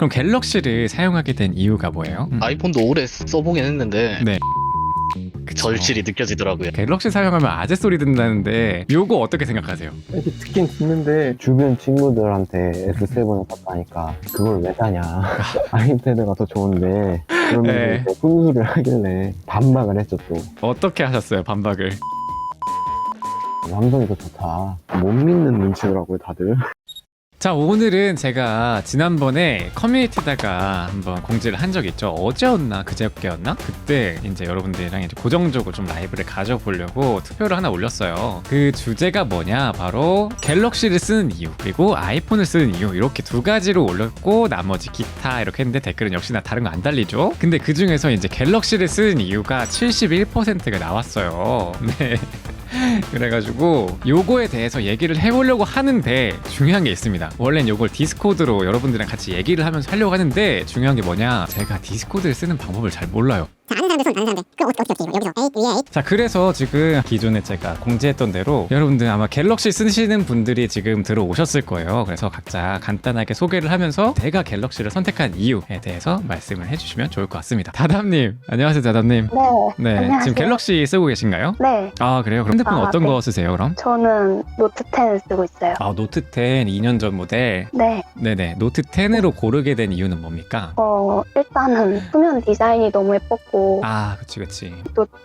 그럼 갤럭시를 사용하게 된 이유가 뭐예요? 아이폰도 오래 써보긴 했는데 네. 절실히 느껴지더라고요. 갤럭시 사용하면 아재 소리 듣는다는데 요거 어떻게 생각하세요? 이렇게 듣긴 듣는데 주변 친구들한테 S7을 샀다니까 그걸 왜 사냐 아이패드가 더 좋은데 네. 그러면 훈수를 하길래 반박을 했죠. 또 어떻게 하셨어요 반박을? 삼성이 더 좋다 못 믿는 눈치더라고요 다들. 자, 오늘은 제가 지난번에 커뮤니티다가 한번 공지를 한 적이 있죠. 어제였나 그제였나? 그때 이제 여러분들이랑 이제 고정적으로 좀 라이브를 가져보려고 투표를 하나 올렸어요. 그 주제가 뭐냐? 바로 갤럭시를 쓰는 이유, 그리고 아이폰을 쓰는 이유, 이렇게 두 가지로 올렸고 나머지 기타 이렇게 했는데 댓글은 역시나 다른 거 안 달리죠. 근데 그 중에서 이제 갤럭시를 쓰는 이유가 71%가 나왔어요. 네. 그래가지고 요거에 대해서 얘기를 해보려고 하는데 중요한 게 있습니다. 원래는 요걸 디스코드로 여러분들이랑 같이 얘기를 하면서 하려고 하는데 중요한 게 뭐냐, 제가 디스코드를 쓰는 방법을 잘 몰라요. 아는 사람들 손 아는 사람들 그럼 어떻게 여기서 A 위에 A 자, 그래서 지금 기존에 제가 공지했던 대로 여러분들 아마 갤럭시 쓰시는 분들이 지금 들어오셨을 거예요. 그래서 각자 간단하게 소개를 하면서 제가 갤럭시를 선택한 이유에 대해서 말씀을 해주시면 좋을 것 같습니다. 다담님, 안녕하세요. 다담님. 네. 네, 안녕하세요. 지금 갤럭시 쓰고 계신가요? 네. 아, 그래요? 그럼 핸드폰 어떤 네. 거 쓰세요 그럼? 저는 노트 10 쓰고 있어요. 아, 노트 10 2년 전 모델. 네. 네네. 노트 10으로 고르게 된 이유는 뭡니까? 일단은 후면 디자인이 너무 예뻤고 아, 그치.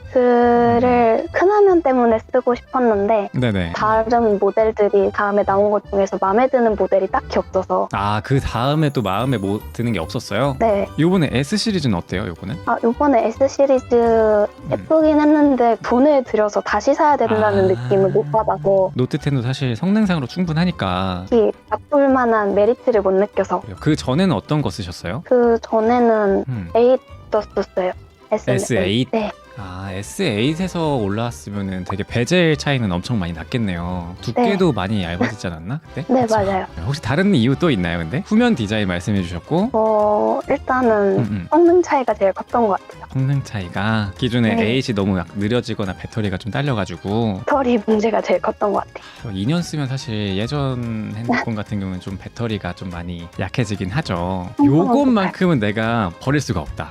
노트를 큰 화면 때문에 쓰고 싶었는데 네네. 다른 모델들이 다음에 나온 것 중에서 마음에 드는 모델이 딱히 없어서 아, 그 다음에 또 마음에 뭐 드는 게 없었어요? 네. 요번에 S 시리즈는 어때요, 요거는? 요번에 S 시리즈 예쁘긴 했는데 돈을 들여서 다시 사야 된다는 아. 느낌을 못 받아서 노트 10도 사실 성능상으로 충분하니까. 특히 바꿀 만한 메리트를 못 느껴서 그 전에는 어떤 거 쓰셨어요? 그 전에는 음. 8 썼어요. S8? 네. 아, S8에서 올라왔으면은 되게 베젤 차이는 엄청 많이 났겠네요. 두께도 많이 얇아지지 않았나 그때? 네, 그쵸? 맞아요. 혹시 다른 이유 또 있나요, 근데? 후면 디자인 말씀해 주셨고 일단은 성능 차이가 제일 컸던 것 같아요. 성능 차이가 기존에 네. 8이 너무 느려지거나 배터리가 좀 딸려가지고 배터리 문제가 제일 컸던 것 같아요. 2년 쓰면 사실 예전 핸드폰 같은 경우는 좀 배터리가 좀 많이 약해지긴 하죠. 요것만큼은 내가 버릴 수가 없다.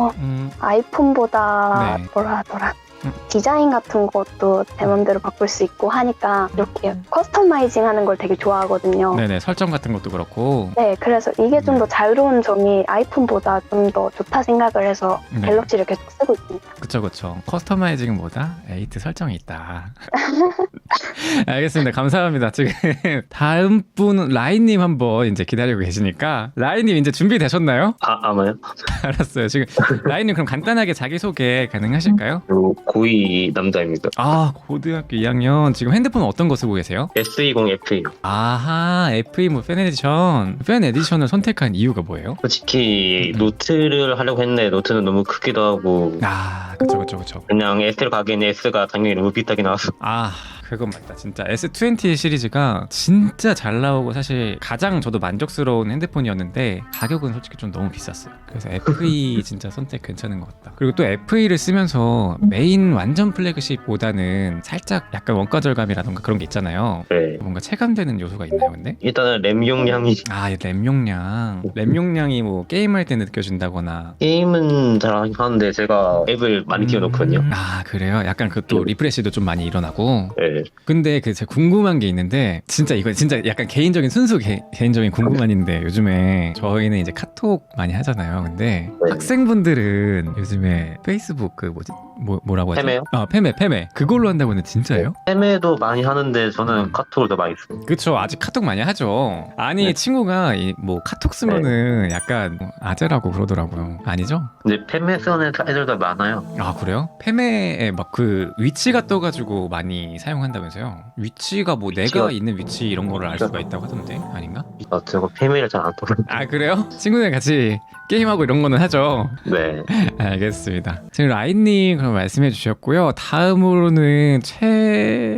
아이폰보다 네. 뭐라 하더라. 디자인 같은 것도 제 맘대로 바꿀 수 있고 하니까 이렇게 커스터마이징 하는 걸 되게 좋아하거든요. 네네, 설정 같은 것도 그렇고. 네, 그래서 이게 좀 더 자유로운 점이 아이폰보다 좀 더 좋다 생각을 해서 네. 갤럭시를 계속 쓰고 있습니다. 그쵸. 커스터마이징은 뭐다? 8 설정이 있다. 알겠습니다. 감사합니다. 지금 다음 분 라인님 한번 이제 기다리고 계시니까 라인님 이제 준비되셨나요? 아마요? 알았어요. 지금 라인님 그럼 간단하게 자기소개 가능하실까요? 고2 남자입니다. 아, 고등학교 2학년. 지금 핸드폰 어떤 거 쓰고 계세요? S20F. 아하, FE 뭐 팬 에디션. 팬 에디션을 선택한 이유가 뭐예요? 솔직히 노트를 하려고 했는데 노트는 너무 크기도 하고 아, 그쵸. 그냥 S를 가기에는 S가 당연히 너무 비싸게 나와서 아, 그건 맞다. 진짜 S20 시리즈가 진짜 잘 나오고 사실 가장 저도 만족스러운 핸드폰이었는데 가격은 솔직히 좀 너무 비쌌어요. 그래서 FE 진짜 선택 괜찮은 것 같다. 그리고 또 FE를 쓰면서 메인 완전 플래그십보다는 살짝 약간 원가 절감이라던가 그런 게 있잖아요. 네. 뭔가 체감되는 요소가 있나요, 근데? 일단은 램 용량이 아, 램 용량이 뭐 게임할 때 느껴진다거나. 게임은 잘 하는데 제가 앱을 많이 띄워놓거든요. 아, 그래요? 약간 그 또 리프레시도 좀 많이 일어나고. 네. 근데 그 제가 궁금한 게 있는데 진짜 이거 진짜 약간 개인적인 순수 개인적인 궁금한인데 요즘에 저희는 이제 카톡 많이 하잖아요. 근데 네. 학생분들은 요즘에 페이스북 그 뭐라고 하죠? 페메요? 아, 페메 그걸로 한다고 하는데 진짜예요? 앱에도 많이 하는데 저는 카톡을 더 많이 써요. 그쵸, 아직 카톡 많이 하죠. 아니 네. 친구가 뭐 카톡 쓰면은 약간 아재라고 그러더라고요. 아니죠? 근데 팸에 쓰는 애들도 많아요. 아, 그래요? 페메에 막 그 위치가 떠가지고 많이 사용한다면서요? 위치가 뭐 내가 있는 위치 이런 거를 알 수가 있다고 하던데 아닌가? 제가 팸을 잘 안 떠요. 아, 그래요? 친구들 같이 게임하고 이런 거는 하죠. 네. 알겠습니다. 지금 라인님 그럼 말씀해 주셨고요. 다음으로는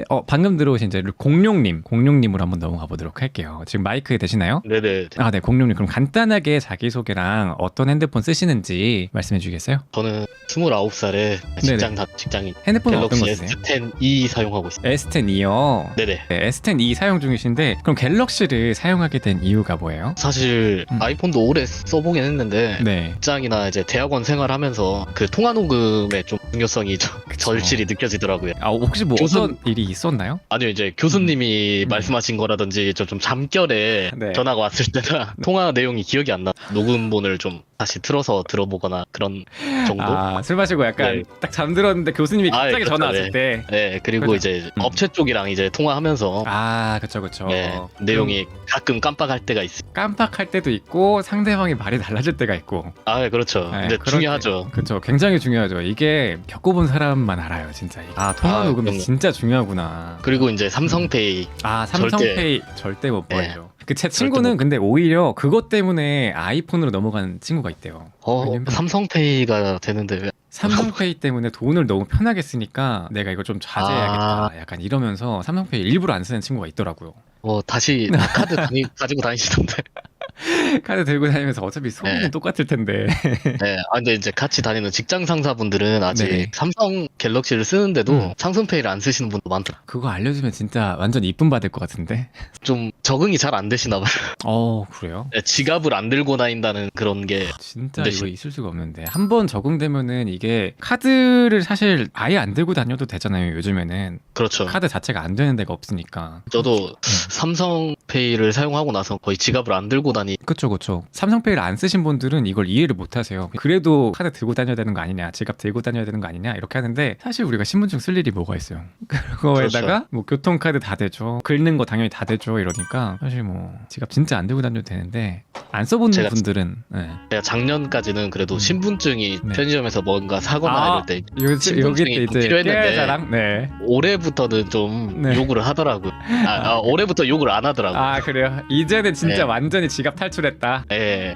방금 들어오신 이제 공룡님으로 한번 넘어가 보도록 할게요. 지금 마이크 되시나요? 네네. 아, 네, 공룡님. 그럼 간단하게 자기소개랑 어떤 핸드폰 쓰시는지 말씀해 주겠어요? 저는 29살에 직장인 핸드폰은 어떤 갤럭시 거 쓰세요? S10e 사용하고 있습니다. S10E요. 네네. 네, S10E 사용 중이신데 그럼 갤럭시를 사용하게 된 이유가 뭐예요? 사실 아이폰도 오래 써보긴 했는데 네. 직장이나 이제 대학원 생활하면서 그 통화 녹음의 좀 중요성이 좀 절실히 느껴지더라고요. 아, 혹시 뭐 교수- 어떤 일이 있었나요? 아니요, 이제 교수님이 말씀하신 거라든지 좀 잠결에 네. 전화가 왔을 때나 통화 내용이 기억이 안 나. 녹음본을 좀 다시 틀어서 들어보거나 그런 정도? 아, 술 마시고 약간 네. 딱 잠들었는데 교수님이 아, 갑자기 그렇죠, 전화 왔을 때. 네, 그리고 그죠. 이제 업체 쪽이랑 이제 통화하면서 아, 그쵸. 네, 내용이 가끔 깜빡할 때가 있어요. 깜빡할 때도 있고 상대방이 말이 달라질 때가 있고. 아, 그렇죠. 네, 근데 그럴 중요하죠. 그렇죠. 굉장히 중요하죠. 이게 겪어본 사람만 알아요, 진짜. 아, 통화 아, 녹음이 그럼요. 진짜 중요하구나. 그리고 이제 삼성페이 아, 삼성페이 절대 못 네. 버리죠. 그 제 친구는 근데 오히려 그것 때문에 아이폰으로 넘어간 친구가 있대요. 왜냐면 삼성페이가 되는데 왜? 삼성페이 때문에 돈을 너무 편하게 쓰니까 내가 이거 좀 자제해야겠다. 약간 이러면서 삼성페이 일부러 안 쓰는 친구가 있더라고요. 다시 다 카드 가지고 다니시던데. 카드 들고 다니면서 어차피 소비는 네. 똑같을 텐데. 네, 근데 이제 같이 다니는 직장 상사분들은 아직 네네. 삼성 갤럭시를 쓰는데도 삼성페이를 안 쓰시는 분도 많더라고요. 그거 알려주면 진짜 완전 이쁨 받을 것 같은데. 좀 적응이 잘 안 되시나 봐요. 그래요? 네, 지갑을 안 들고 다닌다는 그런 게 진짜 네. 이거 있을 수가 없는데 한 번 적응되면은 이게 카드를 사실 아예 안 들고 다녀도 되잖아요. 요즘에는 그렇죠. 카드 자체가 안 되는 데가 없으니까. 저도 삼성페이를 사용하고 나서 거의 지갑을 안 들고 다니. 그쵸. 삼성페이를 안 쓰신 분들은 이걸 이해를 못 하세요. 그래도 카드 들고 다녀야 되는 거 아니냐, 지갑 들고 다녀야 되는 거 아니냐 이렇게 하는데 사실 우리가 신분증 쓸 일이 뭐가 있어요. 그거에다가 그렇죠. 뭐 교통카드 다 되죠, 긁는 거 당연히 다 되죠. 이러니까 사실 뭐 지갑 진짜 안 들고 다녀도 되는데 안 써본 제가 분들은 네. 제가 작년까지는 그래도 신분증이 네. 편의점에서 뭔가 사거나 이럴 때 여기 신분증이 때 이제 필요했는데 깨알자랑 네. 올해부터는 좀 네. 요구를 하더라고요. 올해부터 요구를 안 하더라고요. 아, 그래요? 이제는 진짜 네. 완전히 지갑 탈출했다. 네.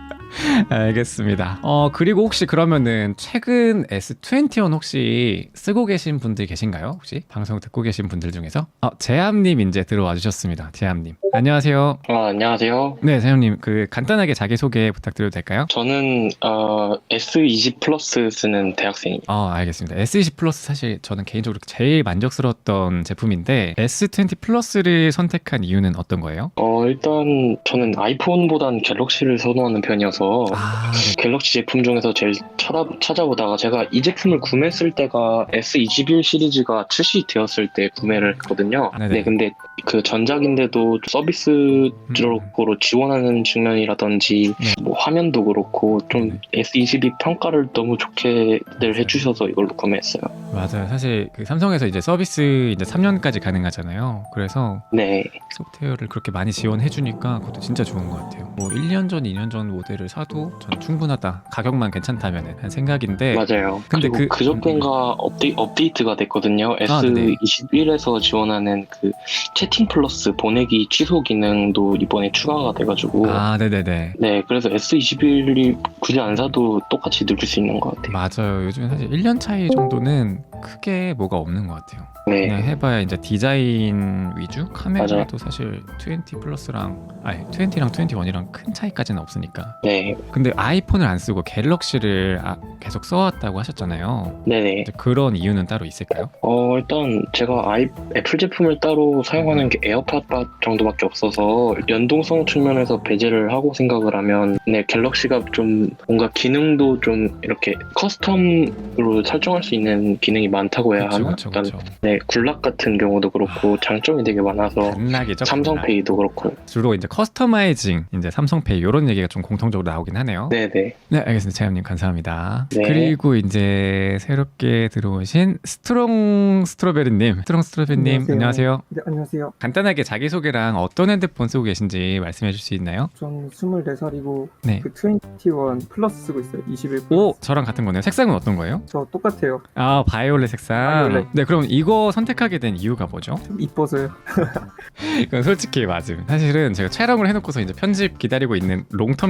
알겠습니다. 그리고 혹시 그러면은 최근 S21 혹시 쓰고 계신 분들 계신가요? 혹시 방송 듣고 계신 분들 중에서? 재함님 이제 들어와 주셨습니다. 재함님. 안녕하세요. 안녕하세요. 네, 재함님 그 간단하게 자기 소개 부탁드려도 될까요? 저는 S20 플러스 쓰는 대학생입니다. 알겠습니다. S20 플러스 사실 저는 개인적으로 제일 만족스러웠던 제품인데 S20 플러스를 선택한 이유는 어떤 거예요? 일단 저는 아이폰보단 갤럭시를 선호하는 편이어서 네. 갤럭시 제품 중에서 제일 찾아보다가 제가 이 제품을 구매했을 때가 S21 시리즈가 출시되었을 때 구매를 했거든요. 네네. 네, 근데 그 전작인데도 서비스적으로 지원하는 측면이라든지 네. 뭐 화면도 그렇고 좀 네. S22 평가를 너무 좋게들 해주셔서 이걸로 구매했어요. 맞아요. 사실 그 삼성에서 이제 서비스 이제 3년까지 가능하잖아요. 그래서 네. 소프트웨어를 그렇게 많이 지원해 주니까 그것도 진짜 좋은 것 같아요. 뭐 1년 전, 2년 전 모델을 사도 저는 충분하다. 가격만 괜찮다면은 한 생각인데. 맞아요. 근데 그리고 그저께인가 업데이트가 됐거든요. 네네. S21에서 지원하는 그 채팅 플러스 보내기 취소 기능도 이번에 추가가 돼가지고 네네네. 네, 그래서 S21이 굳이 안 사도 똑같이 느낄 수 있는 것 같아요. 맞아요. 요즘에 사실 1년 차이 정도는 크게 뭐가 없는 것 같아요. 네, 그냥 해봐야 이제 디자인 위주? 카메라도 사실 20 플러스랑 20랑 21이랑 큰 차이까지는 없으니까. 네, 근데 아이폰을 안 쓰고 갤럭시를 계속 써왔다고 하셨잖아요. 네네. 이제 그런 이유는 따로 있을까요? 일단 제가 애플 제품을 따로 사용하는 게 에어팟 정도밖에 없어서 연동성 측면에서 배제를 하고 생각을 하면 네, 갤럭시가 좀 뭔가 기능도 좀 이렇게 커스텀으로 설정할 수 있는 기능이 많다고 해야 하나? 그쵸. 네, 굴락 같은 경우도 그렇고 장점이 되게 많아서 단락이죠. 삼성페이도 그렇고. 주로 이제 커스터마이징, 이제 삼성페이 이런 얘기가 좀 공통적으로 나오긴 하네요. 네네. 네, 알겠습니다. 재함님 감사합니다. 네. 그리고 이제 새롭게 들어오신 스트롱스트로베리님. 스트롱스트로베리님 안녕하세요. 네, 안녕하세요. 간단하게 자기소개랑 어떤 핸드폰 쓰고 계신지 말씀해 줄 수 있나요? 전 24살이고 네. 그 21 플러스 쓰고 있어요. 21 플러스. 오, 저랑 같은 거네요. 색상은 어떤 거예요? 저 똑같아요. 바이올렛 색상. 바이올렛. 네, 그럼 이거 선택하게 된 이유가 뭐죠? 좀 이뻐서요. 이건 솔직히 맞음. 사실은 제가 촬영을 해놓고서 이제 편집 기다리고 있는 롱텀 리뷰가 있고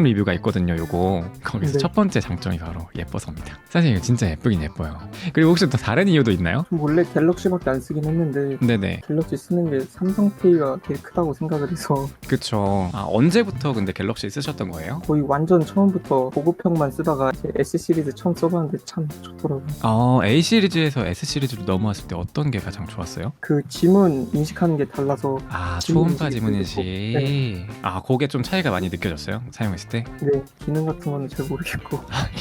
냈거든요. 요거 거기서 네. 첫 번째 장점이 바로 예뻐서입니다. 사실 이거 진짜 예쁘긴 예뻐요. 그리고 혹시 또 다른 이유도 있나요? 원래 갤럭시밖에 안 쓰긴 했는데 네네. 갤럭시 쓰는 게 삼성페이가 되게 크다고 생각을 해서 그쵸. 아, 언제부터 근데 갤럭시 쓰셨던 거예요? 거의 완전 처음부터 보급형만 쓰다가 이제 S 시리즈 처음 써봤는데 참 좋더라고요. A 시리즈에서 S 시리즈로 넘어왔을 때 어떤 게 가장 좋았어요? 그 지문 인식하는 게 달라서 아, 지문 초음파 인식이 지문인식. 네. 아, 그게 좀 차이가 많이 느껴졌어요? 사용했을 때? 네, 기능 같은 거는 잘 모르겠고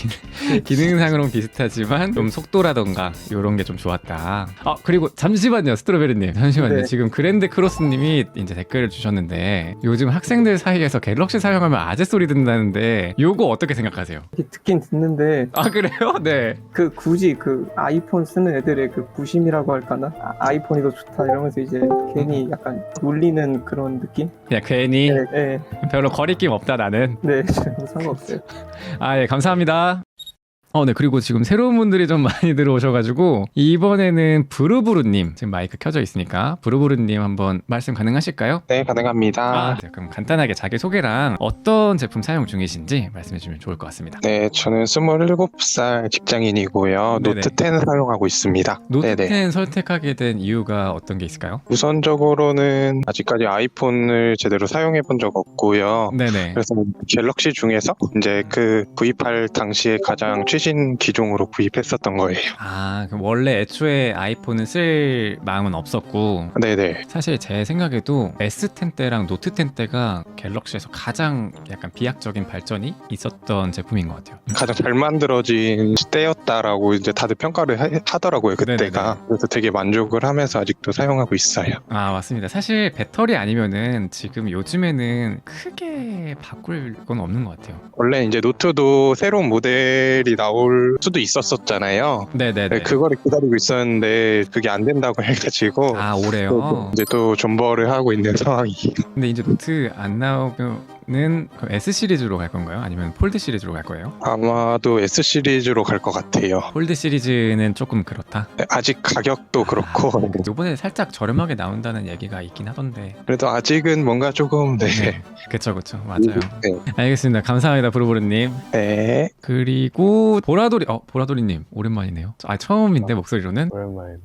기능상으로는 비슷하지만 좀 속도라던가 이런 게 좀 좋았다. 아, 그리고 잠시만요, 스트로베리님. 잠시만요. 네. 지금 그랜드 크로스님이 이제 댓글을 주셨는데 요즘 학생들 사이에서 갤럭시 사용하면 아재 소리 듣는다는데 요거 어떻게 생각하세요? 이렇게 듣긴 듣는데 아, 그래요? 네. 그 굳이 그 아이폰 쓰는 애들의 그 부심이라고 할까나 아이폰이 더 좋다 이러면서 이제 괜히 약간 놀리는 그런 느낌? 그냥 괜히 네, 네, 별로 거리낌 없다 나는. 네, 저는 상관없어요. 아, 예, 감사합니다. 네, 그리고 지금 새로운 분들이 좀 많이 들어오셔가지고 이번에는 부르부르님 지금 마이크 켜져 있으니까 부르부르님 한번 말씀 가능하실까요? 네, 가능합니다. 네, 그럼 간단하게 자기소개랑 어떤 제품 사용 중이신지 말씀해주시면 좋을 것 같습니다. 네, 저는 27살 직장인이고요. 네네. 노트 10 사용하고 있습니다. 노트 네네. 10 선택하게 된 이유가 어떤 게 있을까요? 우선적으로는 아직까지 아이폰을 제대로 사용해 본 적 없고요. 네네. 그래서 갤럭시 중에서 이제 그 구입할 당시에 가장 최신 기종으로 구입했었던 거예요. 아, 그럼 원래 애초에 아이폰은 쓸 마음은 없었고 네네. 사실 제 생각에도 S10 때랑 노트 10 때가 갤럭시에서 가장 약간 비약적인 발전이 있었던 제품인 것 같아요. 가장 잘 만들어진 때였다라고 이제 다들 평가를 하더라고요, 그때가. 네네네. 그래서 되게 만족을 하면서 아직도 사용하고 있어요. 아, 맞습니다. 사실 배터리 아니면은 지금 요즘에는 크게 바꿀 건 없는 것 같아요. 원래 이제 노트도 새로운 모델이 나올 수도 있었었잖아요. 네네네. 네, 그거를 기다리고 있었는데 그게 안 된다고 해가지고 아, 올해요? 이제 또 존버를 하고 있는 상황이에요. 근데 이제 노트 안 나오면은 그럼 S 시리즈로 갈 건가요? 아니면 폴드 시리즈로 갈 거예요? 아마도 S 시리즈로 갈 것 같아요. 폴드 시리즈는 조금 그렇다. 네, 아직 가격도 그렇고 이번에 살짝 저렴하게 나온다는 얘기가 있긴 하던데. 그래도 아직은 뭔가 조금 네. 그쵸, 맞아요. 네. 알겠습니다. 감사합니다, 부르부르님. 네. 그리고 보라돌이님 오랜만이네요. 아, 처음인데 목소리로는. 오랜만에.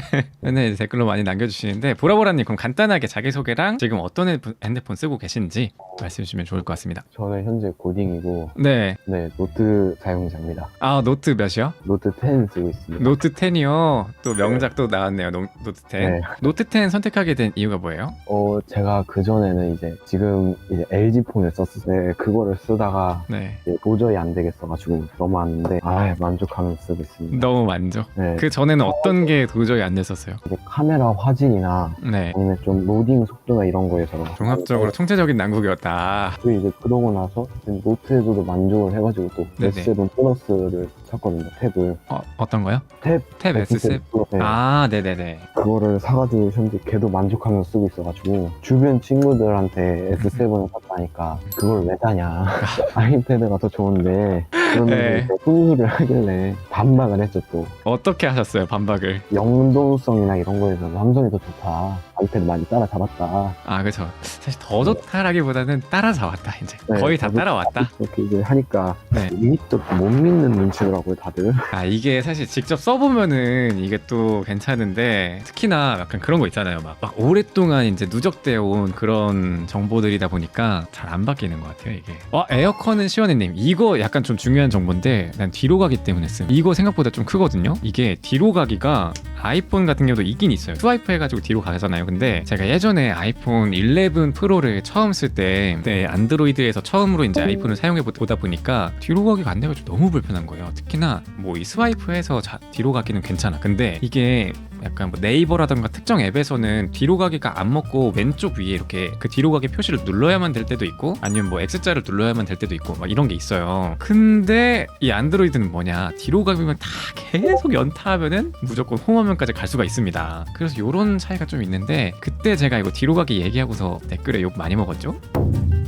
맨날 이제 댓글로 많이 남겨주시는데 보라보라님 그럼 간단하게 자기소개랑 지금 어떤 핸드폰 쓰고 계신지 말씀해 주시면 좋을 것 같습니다. 저는 현재 고딩이고 네. 네, 노트 사용자입니다. 아, 노트 몇이요? 노트 10 쓰고 있습니다. 노트 10이요. 또 명작 또 나왔네요. 노트 10. 네. 노트 10 선택하게 된 이유가 뭐예요? 제가 그전에는 이제 지금 이제 LG 폰을 썼을 때 그거를 쓰다가 네. 이제 도저히 안 되겠어가지고 넘어왔는데 만족하면서 쓰고 있습니다. 너무 만족. 네. 그 전에는 어떤 게 도저히 안 됐었어요? 이제 카메라 화질이나 네. 아니면 좀 로딩 속도나 이런 거에서 종합적으로 총체적인 난국이었다. 그리고 이제 그러고 나서 지금 노트에서도 만족을 해가지고 또 네네. S7 플러스를 샀거든요. 탭을 어떤 거요? 탭 S7? 네. 아, 네네네. 그거를 사가지고 현재 걔도 만족하면서 쓰고 있어가지고 주변 친구들한테 S7을 샀다니까 그걸 왜 사냐 아이패드가 더 좋은데 그러면서 네. 이제 훈수를 하길래 반박을 했죠. 또 어떻게 하셨어요, 반박을? 영동성이나 이런 거에서 삼성이 더 좋다, 아이패드 많이 따라잡았다 아, 그쵸. 사실 더 좋다라기보다는 따라잡았다, 이제. 네, 거의 다 저도 따라왔다. 이렇게 이제 하니까 네. 믿도 못 믿는 눈치더라고요 다들. 아, 이게 사실 직접 써보면은 이게 또 괜찮은데 특히나 약간 그런 거 있잖아요. 막 오랫동안 이제 누적되어 온 그런 정보들이다 보니까 잘 안 바뀌는 것 같아요, 이게. 에어컨은 시원해님. 이거 약간 좀 중요한 정보인데 난 뒤로 가기 때문에 씀. 이거 생각보다 좀 크거든요. 이게 뒤로 가기가 아이폰 같은 경우도 있긴 있어요. 스와이프 해가지고 뒤로 가잖아요. 근데 제가 예전에 아이폰 11 프로를 처음 쓸 때 안드로이드에서 처음으로 이제 아이폰을 사용해 보다 보니까 뒤로 가기가 안 돼가지고 너무 불편한 거예요. 특히나 뭐 이 스와이프해서 뒤로 가기는 괜찮아. 근데 이게 약간 뭐 네이버라던가 특정 앱에서는 뒤로 가기가 안 먹고 왼쪽 위에 이렇게 그 뒤로 가기 표시를 눌러야만 될 때도 있고 아니면 뭐 X자를 눌러야만 될 때도 있고 막 이런 게 있어요. 근데 이 안드로이드는 뭐냐, 뒤로 가기만 다 계속 연타하면은 무조건 홈화면까지 갈 수가 있습니다. 그래서 요런 차이가 좀 있는데 그때 제가 이거 뒤로 가기 얘기하고서 댓글에 욕 많이 먹었죠.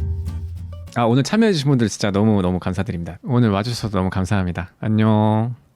오늘 참여해주신 분들 진짜 너무 감사드립니다. 오늘 와주셔서 너무 감사합니다. 안녕.